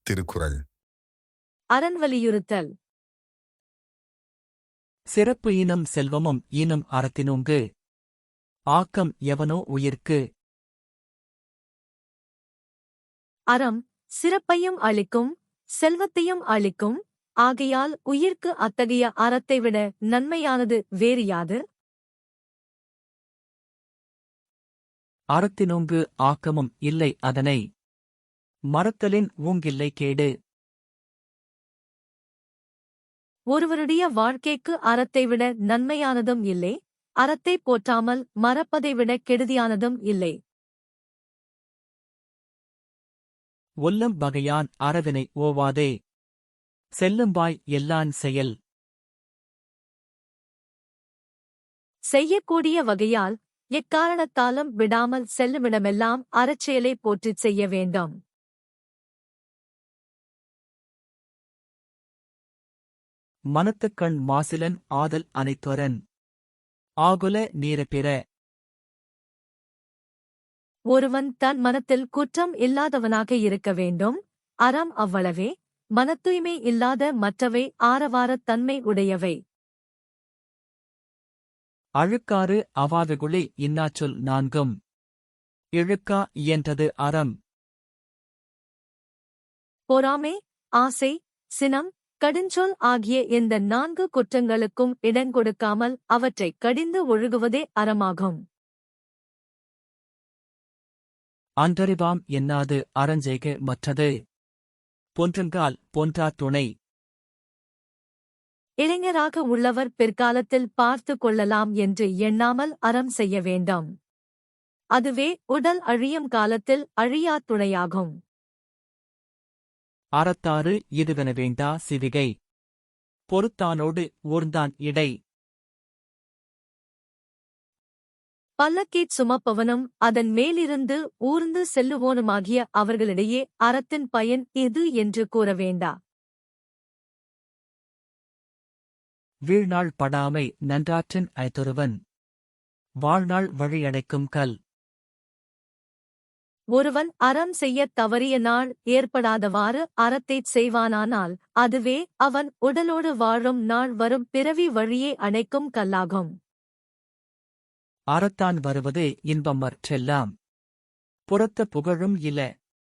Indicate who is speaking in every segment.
Speaker 1: திருக்குறள்.
Speaker 2: அரண் வலியுறுத்தல்.
Speaker 3: சிறப்பு ஈனும் செல்வமும் ஈனும் அறத்தினுங்கு. ஆக்கம் எவனோ உயிர்க்கு.
Speaker 2: அறம் சிறப்பையும் அளிக்கும், செல்வத்தையும் அளிக்கும். ஆகையால் உயிர்க்கு அத்தகைய அறத்தை விட நன்மையானது வேறு யாது?
Speaker 3: அறத்தினுங்கு ஆக்கமும் இல்லை அதனை. மறத்தலின் ஊங்கில்லை கேடு.
Speaker 2: ஒருவருடைய வாழ்க்கைக்கு அறத்தை விட நன்மையானதும் இல்லை, அறத்தை போற்றாமல் மறப்பதை விட கெடுதியானதும் இல்லை.
Speaker 3: ஒல்லம் வகையான் அறவினை ஓவாதே. செல்லும்பாய் எல்லான் செயல்.
Speaker 2: செய்யக்கூடிய வகையால் எக்காரணத்தாலும் விடாமல் செல்லுமிடமெல்லாம் அறச்செயலை போற்றிச் செய்ய வேண்டும்.
Speaker 3: மனத்துக்கண் மாசிலன் ஆதல் அனைத்துரன். ஆகுல நீரபிற.
Speaker 2: ஒருவன் தன் மனத்தில் குற்றம் இல்லாதவனாக இருக்க வேண்டும். அறம் அவ்வளவே. மனத்தூய்மை இல்லாத மற்றவை ஆரவாரத் தன்மை உடையவை.
Speaker 3: அழுக்காறு அவாதகுளி இன்னாச்சொல் நான்கும். இழுக்கா இயன்றது அறம்.
Speaker 2: பொறாமை, ஆசை, சினம், கடுஞ்சொல் ஆகிய இந்த 4 குற்றங்களுக்கும் இடங்கொடுக்காமல் அவற்றைக் கடிந்து ஒழுகுவதே அறமாகும்.
Speaker 3: அன்றறிவாம் என்னாது அறஞ்செய்க மற்றது. பொன்றுங்கால் பொன்றா துணை.
Speaker 2: இளைஞராக உள்ளவர் பிற்காலத்தில் பார்த்து கொள்ளலாம் என்று எண்ணாமல் அறம் செய்ய வேண்டும். அதுவே உடல் அழியும் காலத்தில் அழியா துணையாகும்.
Speaker 3: அறத்தாறு இதுவென வேண்டா சிவிகை. பொறுத்தானோடு ஊர்ந்தான் இடை.
Speaker 2: பல்லக்கீச் சுமப்பவனும் அதன் மேலிருந்து ஊர்ந்து செல்லுவோனுமாகிய அவர்களிடையே அறத்தின் பயன் இது என்று கூற வேண்டா.
Speaker 3: வீழ்நாள் படாமை நன்றாற்றின் ஐதொருவன். வாழ்நாள் வழியடைக்கும் கல்.
Speaker 2: ஒருவன் அறம் செய்யத் தவறிய நாள் ஏற்படாதவாறு அறத்தைச் செய்வானானால் அதுவே அவன் உடலோடு வாழும் நாள் வரும் பிறவி வழியே அணைக்கும் கல்லாகும்.
Speaker 3: அறத்தான் வருவதே இன்பமற்றெல்லாம். புறத்த புகழும் இல.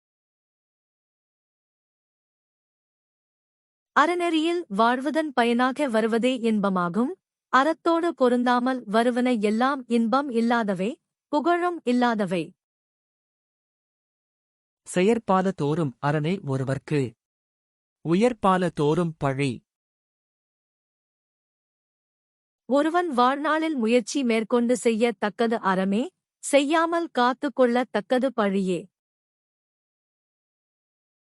Speaker 2: அறநெறியில் வாழ்வதன் பயனாக வருவதே இன்பமாகும். அறத்தோடு பொருந்தாமல் வருவன எல்லாம் இன்பம் இல்லாதவை, புகழும் இல்லாதவை.
Speaker 3: செயற்பால தோறும் அரணை ஒருவர்க்கு. உயர்பால தோறும் பழி.
Speaker 2: ஒருவன் வாழ்நாளில் முயற்சி மேற்கொண்டு செய்ய தக்கது அறமே, செய்யாமல் காத்துக் கொள்ளத் தக்கது பழியே.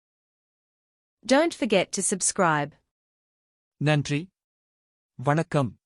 Speaker 4: Don't forget to subscribe.
Speaker 3: நன்றி. வணக்கம்.